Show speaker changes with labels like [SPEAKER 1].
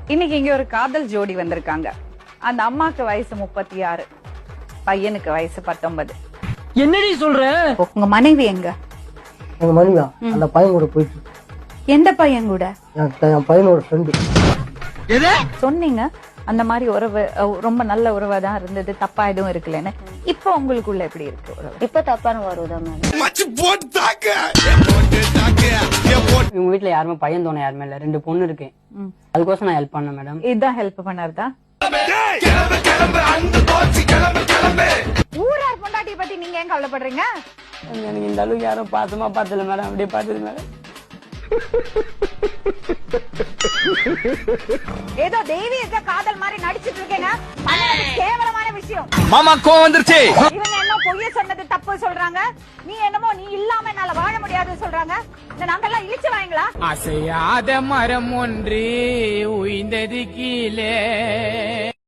[SPEAKER 1] இன்னைக்கு இங்க ஒரு காதல் ஜோடி வந்திருக்காங்க. அந்த அம்மாக்கு வயசு 36, பையனுக்கு வயசு 19.
[SPEAKER 2] என்னடி சொல்ற?
[SPEAKER 1] உங்க மனைவி எங்க?
[SPEAKER 3] எங்க மனைவியா அந்த பையன் கூட போயிட்டு.
[SPEAKER 1] எந்த பையன் கூட?
[SPEAKER 3] என் பையனோட ஃப்ரெண்டு.
[SPEAKER 1] சொன்னீங்க அந்த மாதிரி உறவு ரொம்ப நல்ல உறவா தான் இருந்தது, தப்பா எதுவும் இருக்குல்லன்னு. இப்ப உங்களுக்குள்ள எப்படி இருக்கு உறவு?
[SPEAKER 4] இப்ப தப்பான உறவுதான் மேடம்.
[SPEAKER 2] இவங்க வீட்டுல யாருமே பையன் தோணை யாருமே இல்ல, 2 பொண்ணு இருக்கு. அதுக்கோசம் நான் ஹெல்ப் பண்ணேன் மேடம்.
[SPEAKER 1] இதுதான் ஹெல்ப் பண்ணாருதா? ஊரார் பொண்டாட்டியை பத்தி நீங்க ஏன் கவலைப்படுறீங்க?
[SPEAKER 2] எனக்கு இந்த அளவுக்கு யாரும் பாசமா பார்த்தல மேடம், அப்படியே பார்த்தது மேடம்.
[SPEAKER 1] ஏதோ தெய்வீக காதல் மாதிரி நடிச்சிட்டு இருக்கேங்க. கேவலமான விஷயம்.
[SPEAKER 5] மாமா கோவம் வந்துருச்சு.
[SPEAKER 1] இவங்க என்ன பொய்ய சொன்னது தப்பு சொல்றாங்க, நீ என்னமோ நீ இல்லாம என்னால வாழ முடியாதுன்னு சொல்றாங்க. இந்த நாங்கெல்லாம் இழிச்சு வாங்களா?
[SPEAKER 5] அசையாத மரம் ஒன்று உயிர்ந்தது கீழே